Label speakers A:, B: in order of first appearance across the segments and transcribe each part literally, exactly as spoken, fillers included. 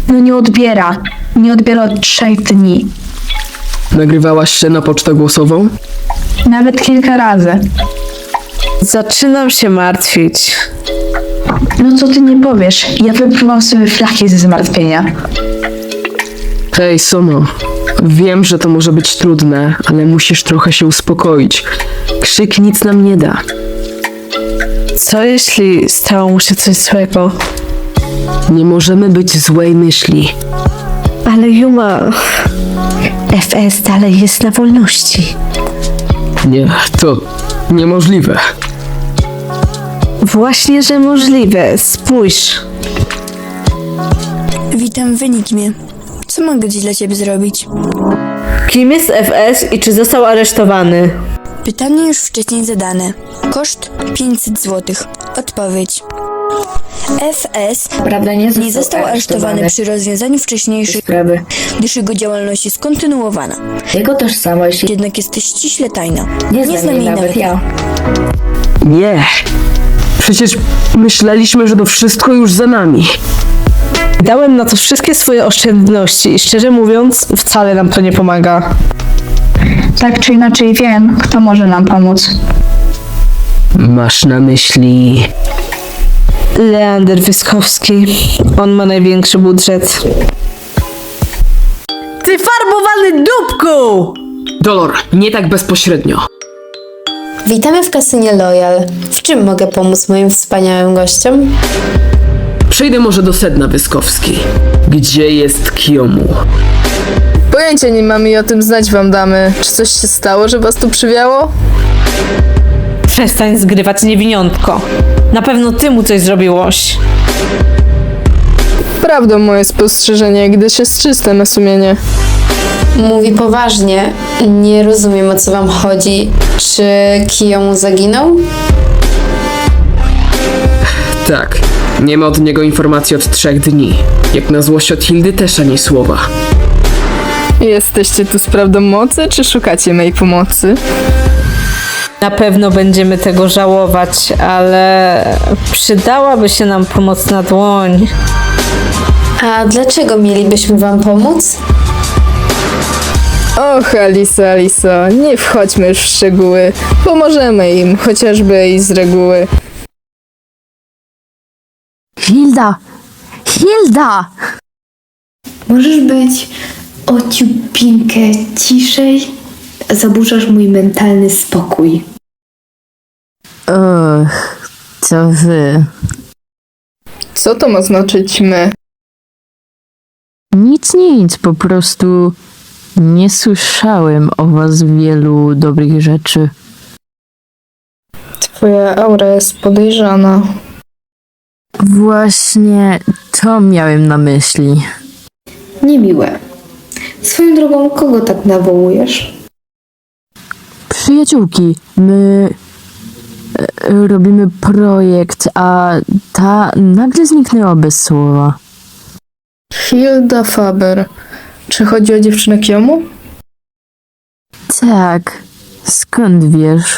A: No nie odbiera. Nie odbiera od trzech dni.
B: Nagrywałaś się na pocztę głosową?
A: Nawet kilka razy.
C: Zaczynam się martwić.
A: No co ty nie powiesz? Ja wypływam sobie flaki ze zmartwienia.
B: Hej, Sono. Wiem, że to może być trudne, ale musisz trochę się uspokoić. Krzyk nic nam nie da.
C: Co jeśli stało mu się coś złego?
B: Nie możemy być złej myśli.
C: Ale Yuma... F S dalej jest na wolności.
B: Nie, to niemożliwe.
C: Właśnie, że możliwe. Spójrz.
D: Witam w Enigmie. Co mogę dziś dla ciebie zrobić?
C: Kim jest F S i czy został aresztowany?
D: Pytanie już wcześniej zadane. Koszt pięćset złotych. Odpowiedź. F S
E: Prawda nie został,
D: nie został aresztowany przy rozwiązaniu wcześniejszych
E: sprawy.
D: gdyż jego działalność jest kontynuowana.
E: Jego tożsamość
D: Jednak jest ściśle tajna.
E: nie,
D: Nie
E: znam jej nawet ja.
B: Nie. Przecież myśleliśmy, że to wszystko już za nami.
C: Dałem na to wszystkie swoje oszczędności i szczerze mówiąc, wcale nam to nie pomaga.
A: Tak czy inaczej wiem, kto może nam pomóc.
B: Masz na myśli...
C: Leander Wyskowski. On ma największy budżet. Ty farbowany dupku!
B: Dolor, nie tak bezpośrednio.
F: Witamy w kasynie Loyal. W czym mogę pomóc moim wspaniałym gościom?
B: Przejdę może do sedna, Wyskowski. Gdzie jest Kiyomu?
G: Pojęcia nie mamy i o tym znać wam damy. Czy coś się stało, że was tu przywiało?
C: Przestań zgrywać niewiniątko. Na pewno ty mu coś zrobiłoś.
G: Prawdą moje spostrzeżenie, gdyż jest czyste na sumienie.
F: Mówi poważnie. Nie rozumiem, o co wam chodzi. Czy Kiyomu zaginął?
B: Tak. Nie ma od niego informacji od trzech dni. Jak na złość od Hildy też ani słowa.
G: Jesteście tu z prawdą mocy, czy szukacie mej pomocy?
C: Na pewno będziemy tego żałować, ale przydałaby się nam pomocna dłoń.
F: A dlaczego mielibyśmy wam pomóc?
G: Och, Alisa, Alisa, nie wchodźmy już w szczegóły. Pomożemy im, chociażby i z reguły.
H: Hilda! Hilda!
I: Możesz być ociupinkę ciszej? Zaburzasz mój mentalny spokój.
H: Och, to wy.
G: Co to ma znaczyć my?
H: Nic, nic, po prostu nie słyszałem o was wielu dobrych rzeczy.
G: Twoja aura jest podejrzana.
H: Właśnie to miałem na myśli.
I: Niemiłe. Swoją drogą, kogo tak nawołujesz?
H: Przyjaciółki, my e, robimy projekt, a ta nagle zniknęła bez słowa.
G: Hilda Faber. Czy chodzi o dziewczynę Kiyomu?
H: Tak, skąd wiesz?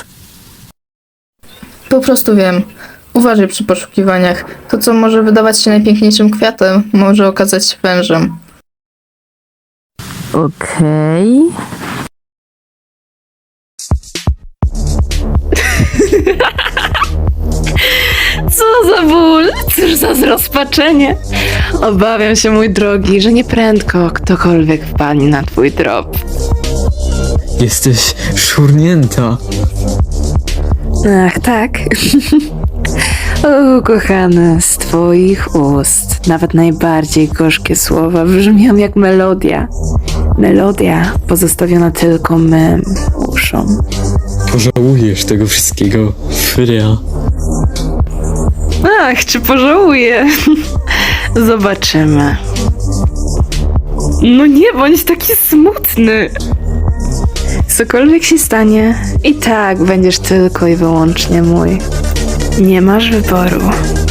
G: Po prostu wiem. Uważaj przy poszukiwaniach. To, co może wydawać się najpiękniejszym kwiatem, może okazać się wężem.
H: Okej.
J: Co za ból, cóż za zrozpaczenie. Obawiam się, mój drogi, że nieprędko ktokolwiek wpadnie na twój trop.
K: Jesteś szurnięta.
J: Ach, tak. O, kochane, z twoich ust nawet najbardziej gorzkie słowa brzmią jak melodia. Melodia pozostawiona tylko mym uszom.
K: Pożałujesz tego wszystkiego, Fria.
J: Ach, czy pożałuję? Zobaczymy. No nie bądź taki smutny. Cokolwiek się stanie, i tak będziesz tylko i wyłącznie mój. Nie masz wyboru.